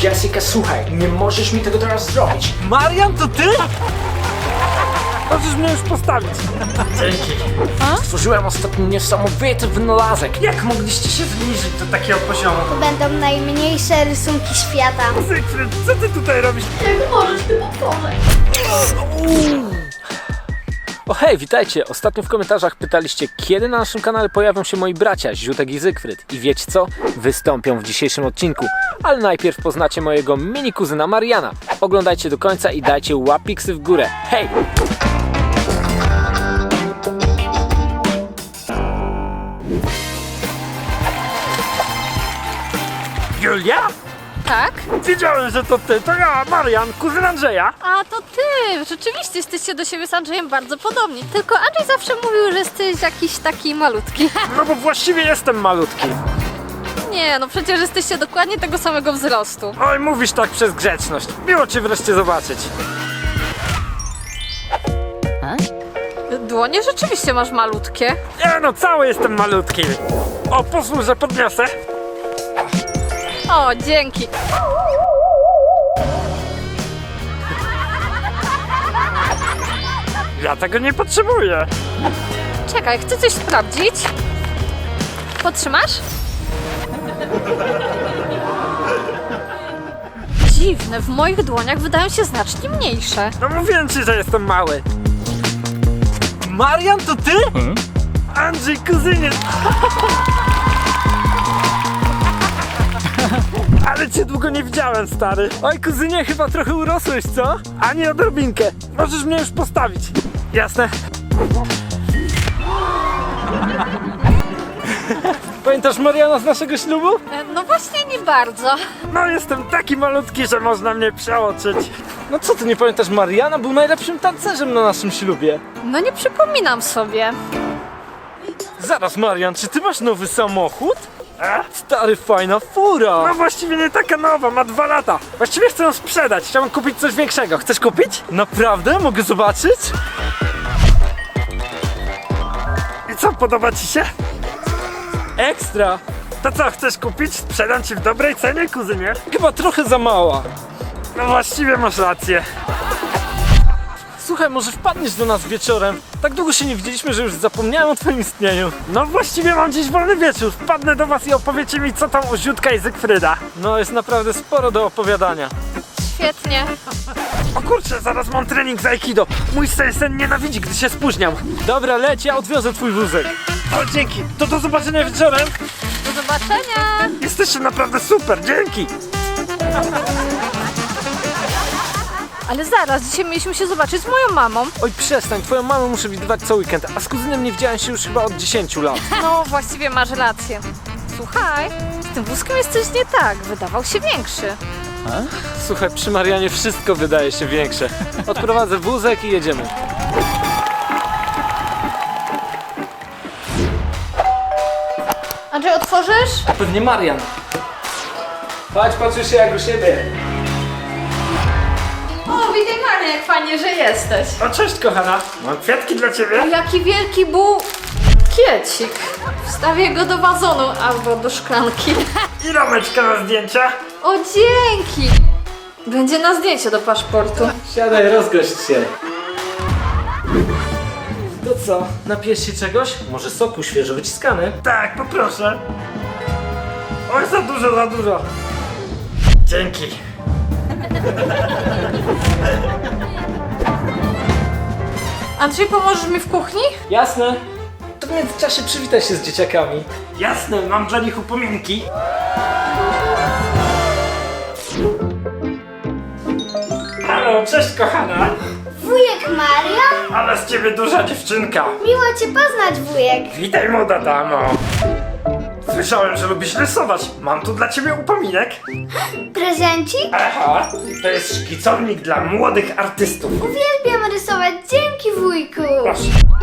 Jessica, słuchaj, nie możesz mi tego teraz zrobić. Marian, to ty? Możesz mnie już postawić. Dzięki. Stworzyłem ostatnio niesamowity wynalazek. Jak mogliście się zbliżyć do takiego poziomu? To będą najmniejsze rysunki świata. Zygfryd, co ty tutaj robisz? Jak możesz, ty potworze? O hej, witajcie! Ostatnio w komentarzach pytaliście, kiedy na naszym kanale pojawią się moi bracia, Ziutek i Zygfryd. I wiecie co? Wystąpią w dzisiejszym odcinku. Ale najpierw poznacie mojego mini kuzyna Mariana. Oglądajcie do końca i dajcie łapiksy w górę. Hej! Julia? Tak? Wiedziałem, że to ty. To ja, Marian, kuzyn Andrzeja. A to ty! Rzeczywiście jesteście do siebie z Andrzejem bardzo podobni. Tylko Andrzej zawsze mówił, że jesteś jakiś taki malutki. No bo właściwie jestem malutki. Nie, no przecież jesteście dokładnie tego samego wzrostu. Oj, mówisz tak przez grzeczność. Miło cię wreszcie zobaczyć. Dłonie rzeczywiście masz malutkie. Nie no, cały jestem malutki. O, pozwól, że podniosę. O, dzięki. Ja tego nie potrzebuję. Czekaj, chcę coś sprawdzić. Podtrzymasz? Dziwne, w moich dłoniach wydają się znacznie mniejsze. No mówiłem ci, że jestem mały. Marian, to ty? Andrzej, kuzynie. Ale cię długo nie widziałem, stary. Oj, kuzynie, chyba trochę urosłeś, co? Ani odrobinkę. Możesz mnie już postawić. Jasne. Pamiętasz Mariana z naszego ślubu? No właśnie nie bardzo. No, jestem taki malutki, że można mnie przeoczyć. No co ty nie pamiętasz, Mariana był najlepszym tancerzem na naszym ślubie. No nie przypominam sobie. Zaraz, Marian, czy ty masz nowy samochód? Stary, fajna fura! No właściwie nie taka nowa, ma 2 lata. Właściwie chcę ją sprzedać, chciałbym kupić coś większego. Chcesz kupić? Naprawdę? Mogę zobaczyć? I co, podoba ci się? Ekstra! To co, chcesz kupić? Sprzedam ci w dobrej cenie, kuzynie. Chyba trochę za mała. No właściwie masz rację. Słuchaj, może wpadniesz do nas wieczorem? Tak długo się nie widzieliśmy, że już zapomniałem o twoim istnieniu. No właściwie mam dziś wolny wieczór. Wpadnę do was i opowiecie mi, co tam u Ziutka i Zygfryda. No, jest naprawdę sporo do opowiadania. Świetnie. O kurczę, zaraz mam trening z Aikido. Mój sen nienawidzi, gdy się spóźniam. Dobra, leć, ja odwiozę twój wózek. O, dzięki. To do zobaczenia wieczorem. Do zobaczenia. Jesteście naprawdę super, dzięki. Ale zaraz, dzisiaj mieliśmy się zobaczyć z moją mamą. Oj, przestań, twoją mamę muszę widywać co weekend, a z kuzynem nie widziałem się już chyba od 10 lat. No, właściwie masz rację. Słuchaj, z tym wózkiem jest coś nie tak. Wydawał się większy. Słuchaj, przy Marianie wszystko wydaje się większe. Odprowadzę wózek i jedziemy. Andrzej, otworzysz? Pewnie Marian. Chodź, patrzysz się jak u siebie. O, witaj Marian, jak fajnie, że jesteś. O, cześć kochana. Mam kwiatki dla ciebie. Jaki wielki bukiecik. Wstawię go do wazonu albo do szklanki. I rameczka na zdjęcia. O, dzięki. Będzie na zdjęcie do paszportu. Siadaj, rozgość się. To co, napijesz się czegoś? Może soku świeżo wyciskany? Tak, poproszę. Oj, za dużo, za dużo. Dzięki. Andrzej, pomożesz mi w kuchni? Jasne. To w międzyczasie przywitaj się z dzieciakami. Jasne, mam dla nich upominki. Halo, cześć kochana. Wujek Marian? Ale z ciebie duża dziewczynka. Miło cię poznać, wujek. Witaj, młoda damo. Słyszałem, że lubisz rysować. Mam tu dla ciebie upominek. Prezencik? Aha, to jest szkicownik dla młodych artystów. Uwielbiam rysować, dzięki wujku. Proszę.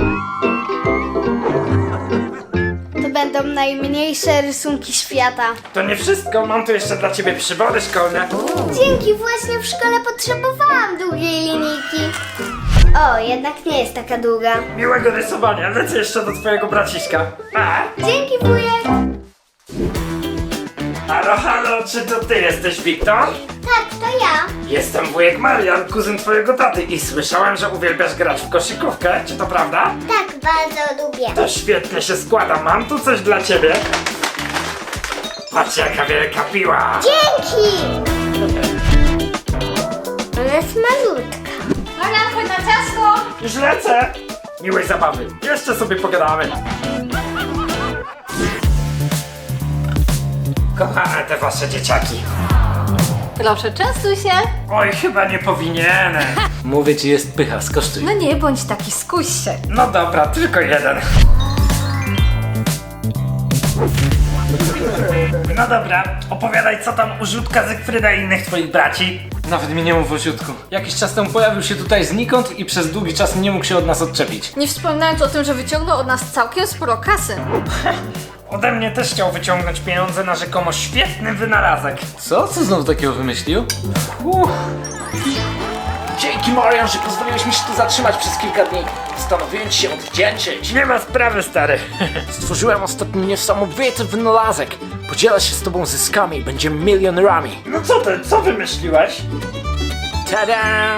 To będą najmniejsze rysunki świata. To nie wszystko, mam tu jeszcze dla ciebie przybory szkolne. Dzięki, właśnie w szkole potrzebowałam długiej linijki. O, jednak nie jest taka długa. Miłego rysowania, lecę jeszcze do twojego braciszka. Pa! Dzięki, wujek. Halo, halo, czy to ty jesteś Wiktor? Tak, to ja. Jestem wujek Marian, kuzyn twojego taty i słyszałem, że uwielbiasz grać w koszykówkę, czy to prawda? Tak, bardzo lubię. To świetnie się składa, mam tu coś dla ciebie. Patrz jaka wielka piła. Dzięki! Ona jest malutka. Marian, chodź na ciasto! Już lecę. Miłej zabawy, jeszcze sobie pogadamy. Kochane te wasze dzieciaki. Proszę, częstuj się. Oj, chyba nie powinienem. Mówię ci, jest pycha, skosztuj. No nie bądź taki, skuś się. No dobra, tylko jeden. No dobra, opowiadaj co tam u Żółtka, Zygfryda i innych twoich braci. Nawet mi nie mów o Ziutku. Jakiś czas temu pojawił się tutaj znikąd i przez długi czas nie mógł się od nas odczepić. Nie wspominając o tym, że wyciągnął od nas całkiem sporo kasy. Ode mnie też chciał wyciągnąć pieniądze na rzekomo świetny wynalazek. Co? Co znowu takiego wymyślił? Dzięki Marian, że pozwoliłeś mi się tu zatrzymać przez kilka dni. Postanowiłem ci się odwdzięczyć. Nie ma sprawy, stary. Stworzyłem ostatnio niesamowity wynalazek. Podzielę się z tobą zyskami i będziemy milionerami. No co ty, co wymyśliłeś? Tada!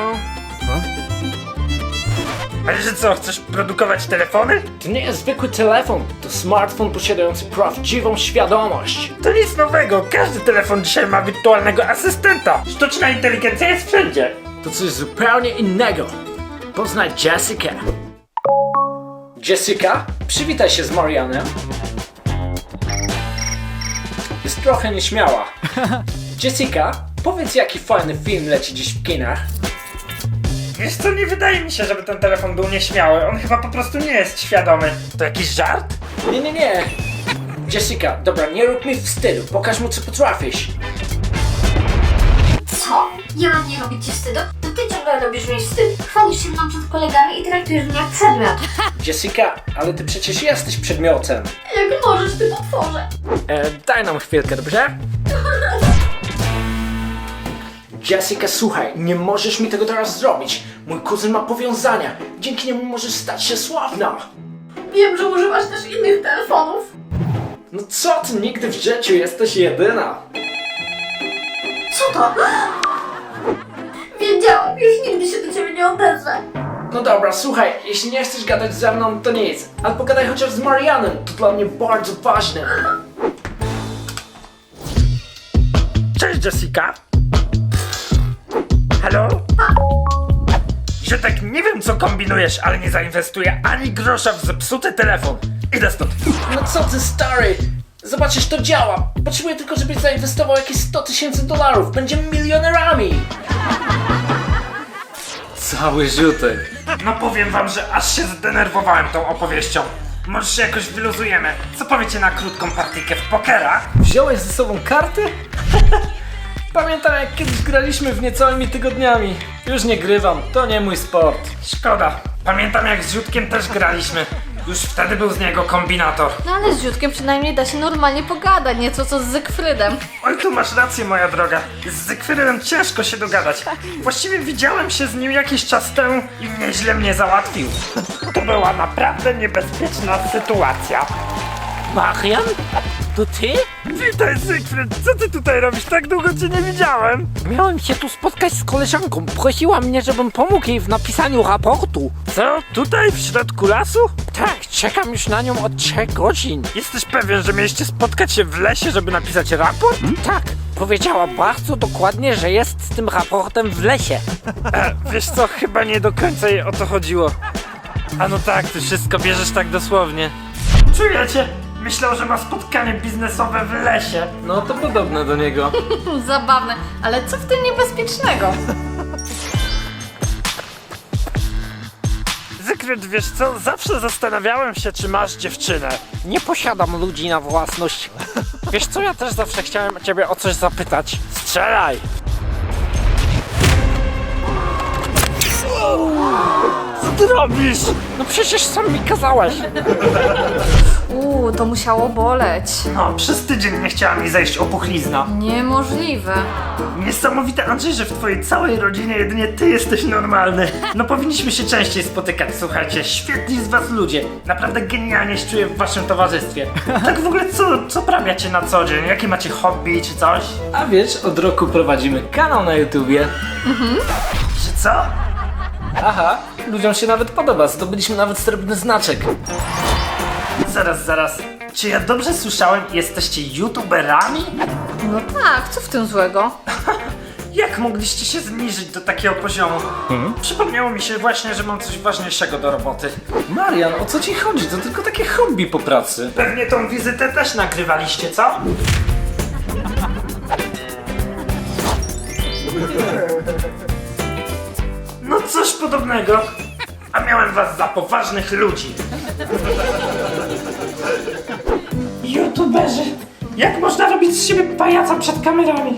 Ale że co, chcesz produkować telefony? To nie jest zwykły telefon, to smartfon posiadający prawdziwą świadomość. To nic nowego, każdy telefon dzisiaj ma wirtualnego asystenta. Sztuczna inteligencja jest wszędzie. To coś zupełnie innego. Poznaj Jessica. Jessica, przywitaj się z Marianem. Jest trochę nieśmiała. Jessica, powiedz jaki fajny film leci dziś w kinach. Wiesz co, nie wydaje mi się, żeby ten telefon był nieśmiały. On chyba po prostu nie jest świadomy. To jakiś żart? Nie. Jessica, dobra, nie rób mi wstydu, pokaż mu co potrafisz. Co? Ja mam nie robić ci wstydu? To ty ciągle robisz mi wstyd. Chwalisz się mną przed kolegami i traktujesz mnie jak przedmiot. Jessica, ale ty przecież jesteś przedmiotem. Jak możesz, ty potworze? Daj nam chwilkę, dobrze? Jessica, słuchaj, nie możesz mi tego teraz zrobić. Mój kuzyn ma powiązania. Dzięki niemu możesz stać się sławna. Wiem, że używasz też innych telefonów. No co ty, nigdy w życiu jesteś jedyna. Co to? Wiedziałam, już nigdy się do ciebie nie odezwę. No dobra, słuchaj, jeśli nie chcesz gadać ze mną, to nic. Ale pogadaj chociaż z Marianem, to dla mnie bardzo ważne. Cześć, Jessica. Halo? Że tak nie wiem co kombinujesz, ale nie zainwestuję ani grosza w zepsuty telefon. Idę stąd. No co ty, stary? Zobaczysz, to działa. Potrzebuję tylko, żebyś zainwestował jakieś $100,000. Będziemy milionerami. Cały Ziutek. No powiem wam, że aż się zdenerwowałem tą opowieścią. Może się jakoś wyluzujemy. Co powiecie na krótką partyjkę w pokera? Wziąłeś ze sobą karty? Pamiętam, jak kiedyś graliśmy w niecałymi tygodniami. Już nie grywam, to nie mój sport. Szkoda. Pamiętam jak z Ziutkiem też graliśmy. Już wtedy był z niego kombinator. No ale z Ziutkiem przynajmniej da się normalnie pogadać, nieco co z Zygfrydem. Oj, tu masz rację, moja droga. Z Zygfrydem ciężko się dogadać. Właściwie widziałem się z nim jakiś czas temu i nieźle mnie załatwił. To była naprawdę niebezpieczna sytuacja. Marian? To ty? Witaj, Zygfryd. Co ty tutaj robisz? Tak długo cię nie widziałem. Miałem się tu spotkać z koleżanką. Prosiła mnie, żebym pomógł jej w napisaniu raportu. Co? Tutaj, w środku lasu? Tak, czekam już na nią od 3 godzin. Jesteś pewien, że mieliście spotkać się w lesie, żeby napisać raport? Tak, powiedziała bardzo dokładnie, że jest z tym raportem w lesie. Wiesz co, chyba nie do końca jej o to chodziło. A no tak, ty wszystko bierzesz tak dosłownie. Czujecie? Myślał, że ma spotkanie biznesowe w lesie. No to podobne do niego. Zabawne, ale co w tym niebezpiecznego? Zygfryd, wiesz co? Zawsze zastanawiałem się, czy masz dziewczynę. Nie posiadam ludzi na własność. Wiesz co, ja też zawsze chciałem ciebie o coś zapytać. Strzelaj! ty robisz? No przecież sam mi kazałeś. To musiało boleć. No, przez tydzień nie chciała mi zejść opuchlizna. Niemożliwe. Niesamowite, Andrzej, że w twojej całej rodzinie jedynie ty jesteś normalny. No powinniśmy się częściej spotykać, słuchajcie. Świetni z was ludzie. Naprawdę genialnie się czuję w waszym towarzystwie. Tak w ogóle co prawiacie na co dzień? Jakie macie hobby czy coś? A wiesz, od roku prowadzimy kanał na YouTubie. Że co? Aha, ludziom się nawet podoba, zdobyliśmy nawet srebrny znaczek. Zaraz. Czy ja dobrze słyszałem? Jesteście youtuberami? No tak, co w tym złego? Jak mogliście się zniżyć do takiego poziomu? Przypomniało mi się właśnie, że mam coś ważniejszego do roboty. Marian, o co ci chodzi? To tylko takie hobby po pracy. Pewnie tą wizytę też nagrywaliście, co? No coś podobnego. A miałem was za poważnych ludzi. YouTuberzy! Jak można robić z siebie pajaca przed kamerami?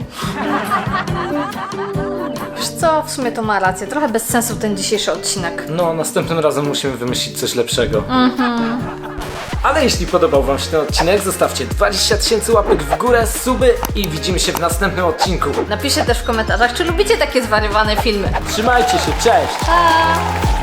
Wiesz co, w sumie to ma rację. Trochę bez sensu ten dzisiejszy odcinek. No, następnym razem musimy wymyślić coś lepszego. Ale jeśli podobał wam się ten odcinek, zostawcie 20 000 łapek w górę, suby i widzimy się w następnym odcinku. Napiszcie też w komentarzach, czy lubicie takie zwariowane filmy. Trzymajcie się, cześć! Pa!